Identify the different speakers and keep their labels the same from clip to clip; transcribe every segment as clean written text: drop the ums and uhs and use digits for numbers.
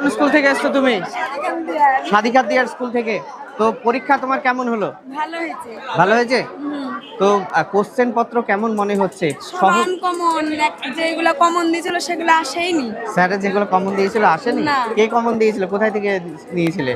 Speaker 1: School থেকে এসছো তুমি? সাদিকাত দিয়ার স্কুল থেকে। তো পরীক্ষা তোমার কেমন হলো?
Speaker 2: ভালো হয়েছে।
Speaker 1: ভালো হয়েছে? তো কোশ্চেন পত্র কেমন মনে হচ্ছে? সহজ?
Speaker 2: কমন, যেগুলো কমন দিয়েছিল সেগুলো আসেইনি।
Speaker 1: স্যার যেগুলো কমন দিয়েছিল আসেনি?
Speaker 2: না।
Speaker 1: কে কমন দিয়েছিল? কোথায় থেকে নিয়েছিলে?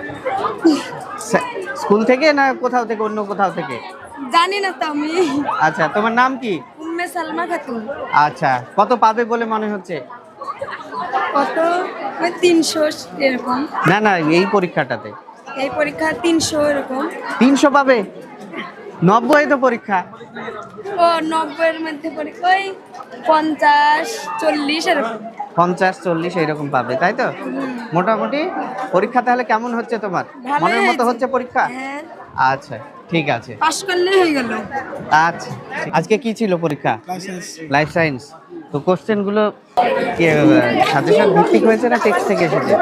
Speaker 1: স্কুল থেকে না কোথাও থেকে, অন্য কোথাও থেকে?
Speaker 2: জানি না তো আমি।
Speaker 1: আচ্ছা, তোমার নাম কি?
Speaker 2: উম্মে সালমা খাতুন।
Speaker 1: আচ্ছা, কত পাবে বলে মনে হচ্ছে?
Speaker 2: কত? ওই 300 এরকম।
Speaker 1: না না, এই পরীক্ষাটাতে
Speaker 2: এই পরীক্ষা 300 এরকম।
Speaker 1: 300 পাবে? 90 তো পরীক্ষা।
Speaker 2: ও 90 এর মধ্যে পরীক্ষা ওই 50 40 এরকম।
Speaker 1: 50-40 এরকম পাবে, তাই তো? মোটামুটি পরীক্ষা তাহলে কেমন হচ্ছে তোমার?
Speaker 2: ভালোই
Speaker 1: মনের মতো
Speaker 2: হয়েছে।
Speaker 1: হচ্ছে পরীক্ষা?
Speaker 2: হ্যাঁ,
Speaker 1: আচ্ছা, ঠিক আছে।
Speaker 2: পাস করলেই হয়ে গেল।
Speaker 1: আচ্ছা, আজকে কি ছিল পরীক্ষা? Life science. তো কোশ্চেন গুলো কি সাজেশন ভিত্তিক হয়েছে না টেক্সট থেকে এসেছে?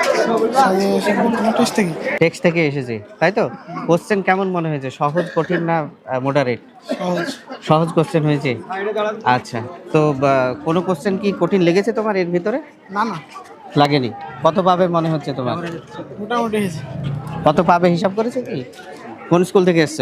Speaker 1: টেক্সট থেকে এসেছে, তাই তো? কোশ্চেন কেমন মনে হয়েছে? সহজ, কঠিন না মডারেট? সহজ কোশ্চেন হয়েছে। আচ্ছা, তো কোনো কোশ্চেন কি কঠিন লেগেছে তোমার এর ভিতরে?
Speaker 3: না না,
Speaker 1: লাগেনি। কত পাবে মনে হচ্ছে তোমার?
Speaker 3: মোটামুটি হয়েছে।
Speaker 1: কত পাবে হিসাব করেছো কি? কোন স্কুল থেকে এসছো?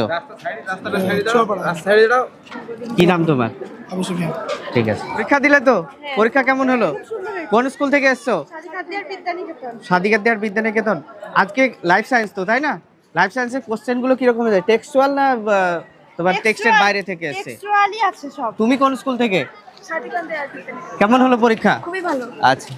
Speaker 1: কি নাম তোমার?
Speaker 3: আবু সুফিয়ান।
Speaker 1: ঠিক আছে। পরীক্ষা দিলে তো? পরীক্ষা কেমন হলো? কোন স্কুল থেকে এসছো? সাদিকাত দিয়ার বিদ্যানিকেতন। আজকে লাইফ সায়েন্স তো, তাই না? লাইফ সায়েন্সের কোশ্চেন গুলো কিরকম হয়েছে? টেক্সচুয়াল না তোমার টেক্সটের বাইরে থেকে এসেছে?
Speaker 2: টেক্সচুয়ালি আছে সব।
Speaker 1: তুমি কোন স্কুল থেকে?
Speaker 2: সাদিকাত দিয়ার বিদ্যানিকেতন।
Speaker 1: কেমন হলো পরীক্ষা?
Speaker 2: খুবই ভালো।
Speaker 1: আচ্ছা,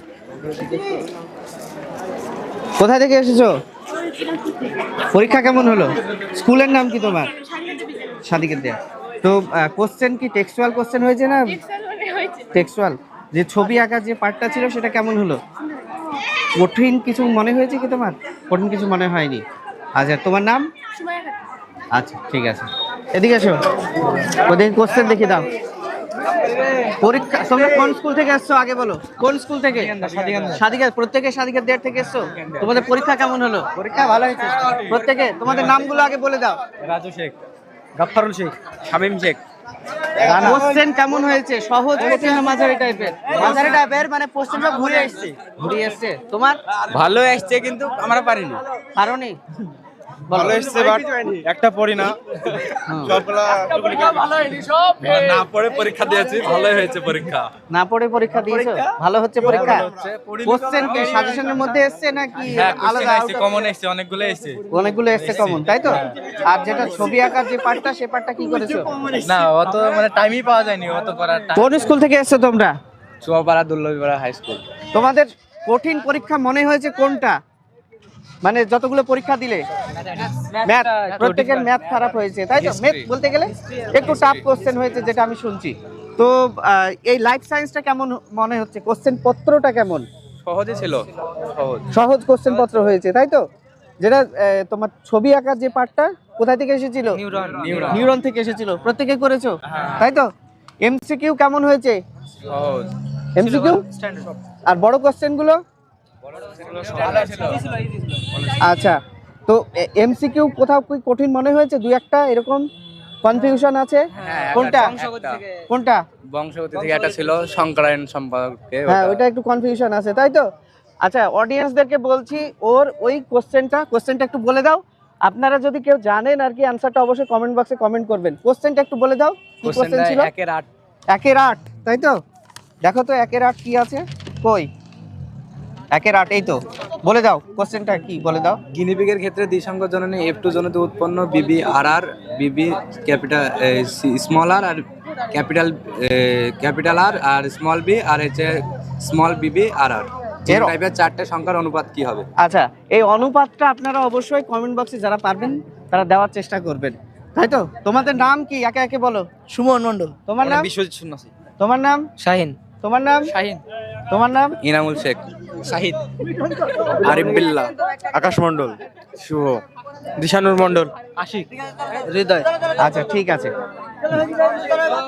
Speaker 1: কোথায় থেকে এসেছো? পরীক্ষা কেমন হলো? স্কুলের নাম কি তোমার? সাদিকাত দিয়া। তো কোশ্চেন কি টেক্সচুয়াল কোশ্চেন হয়েছে না টেক্সচুয়াল? যে ছবি আঁকার যে পার্টটা ছিল সেটা কেমন হলো? কঠিন কিছু মনে হয়েছে কি তোমার? কঠিন কিছু মনে হয়নি। আচ্ছা, তোমার নাম? আচ্ছা, ঠিক আছে। এদিকে এসো, ওদের কোশ্চেন দেখে দাও। পরীক্ষা তোমরা কোন স্কুল থেকে এসছো আগে বলো? কোন স্কুল থেকে? সাদিকাত। প্রত্যেকে সাদিকাত দেয়ার থেকে এসছো? তোমাদের পরীক্ষা কেমন হলো?
Speaker 3: পরীক্ষা ভালো হয়েছে।
Speaker 1: প্রত্যেকে তোমাদের নামগুলো আগে বলে দাও।
Speaker 4: রাজু শেখ, গাফফারুল শেখ, শামীম শেখ।
Speaker 1: কোশ্চেন কেমন হয়েছে? সহজ, কঠিন না মাঝারি টাইপের?
Speaker 3: মাঝারি টাইপের, মানে কোশ্চেন সব ঘুরে আসছে।
Speaker 1: ঘুরিয়ে এসছে। তোমার
Speaker 4: ভালো আসছে কিন্তু আমরা পারিনি।
Speaker 1: কারণে
Speaker 4: ভালো এসছে বাট একটা পড়ি না। না পড়ে পরীক্ষা দিয়েছি, ভালোই হয়েছে পরীক্ষা।
Speaker 1: না পড়ে পরীক্ষা দিয়েছো? ভালো হচ্ছে পরীক্ষা? কোশ্চেন কি সাজেশনের মধ্যে এসছে নাকি আলাদা?
Speaker 4: কমন এসছে, অনেকগুলো এসছে।
Speaker 1: অনেকগুলো এসছে কমন, তাই তো? আর যেটা ছবি আঁকার যে পার্টটা, সে পার্টটা কি করেছো?
Speaker 4: না অত মানে টাইমই পাওয়া যায়নি অত করার।
Speaker 1: কোন স্কুল থেকে এসছো তোমরা?
Speaker 4: Chuapara Dullabhipara high school.
Speaker 1: তোমাদের কঠিন পরীক্ষা মনে হয়েছে কোনটা? মানে যতগুলো পরীক্ষা দিলে ম্যাথ, প্রত্যেকের ম্যাথ খারাপ হয়েছে, তাই তো? ম্যাথ বলতে গেলে একটু টাফ কোশ্চেন হয়েছে যেটা আমি শুনছি। তো এই লাইফ সায়েন্সটা কেমন মনে হচ্ছে? কোশ্চেন পত্রটা কেমন?
Speaker 4: সহজে ছিল, সহজ।
Speaker 1: সহজ কোশ্চেন পত্র হয়েছে, তাই তো? যেটা তোমার ছবি আঁকার যে পার্টটা কোথায় থেকে এসেছিল? নিউরন থেকে এসেছিল। প্রত্যেকে করেছো, তাই তো? এমসিকিউ কেমন হয়েছে?
Speaker 4: সহজ।
Speaker 1: এমসিকিউ আর বড় কোশ্চেন গুলো? আচ্ছা, তো এমসিকিউ কোথাও কি কঠিন মনে হয়েছে? দুই একটা এরকম কনফিউশন আছে? কোনটা কোনটা?
Speaker 4: বংশগতি থেকে একটা ছিল সংকরায়ন সম্পর্কে।
Speaker 1: হ্যাঁ, ওইটা একটু কনফিউশন আছে, তাই তো? আচ্ছা, অডিয়েন্সদেরকে বলছি, ওর ওই কোশ্চেনটা একটু বলে দাও। আপনারা যদি কেউ জানেন আর কি অ্যানসারটা, অবশ্যই কমেন্ট বক্সে কমেন্ট করবেন। কোশ্চেনটা একটু বলে দাও, কি কোশ্চেন ছিল?
Speaker 4: 1-8।
Speaker 1: 1-8, তাই তো? দেখো তো 1-8 কি আছে, কই 1-8? এই তো, বলে দাও কোশ্চেনটা কি, বলে দাও।
Speaker 4: গিনিপিগের ক্ষেত্রে দ্বিসংখ্য জননী F2 জনিত উৎপন্ন বিবি R R, B B capital small R R capital R R small B R হচ্ছে স্মল বিবি আর আর এর টাইপের চারটে সংখ্যার অনুপাত কি হবে?
Speaker 1: আচ্ছা, এই অনুপাতটা আপনারা অবশ্যই কমেন্ট বক্সে যারা পারবেন তারা দেওয়ার চেষ্টা করবেন, তাই তো? তোমাদের নাম কি একে একে বলো।
Speaker 3: সুমন মন্ডল।
Speaker 1: তোমার নাম?
Speaker 4: বিশ্বজিৎ সন্ন্যাসী।
Speaker 1: তোমার নাম?
Speaker 3: শাহিন।
Speaker 1: তোমার নাম?
Speaker 3: শাহিন।
Speaker 1: তোমার নাম?
Speaker 4: ইনামুল শেখ।
Speaker 3: শাহিদ।
Speaker 4: আরিফ বিল্লাহ। আকাশ মন্ডল। শুভ। দিশানুর মন্ডল।
Speaker 3: আশিক। হৃদয়।
Speaker 1: আচ্ছা, ঠিক আছে।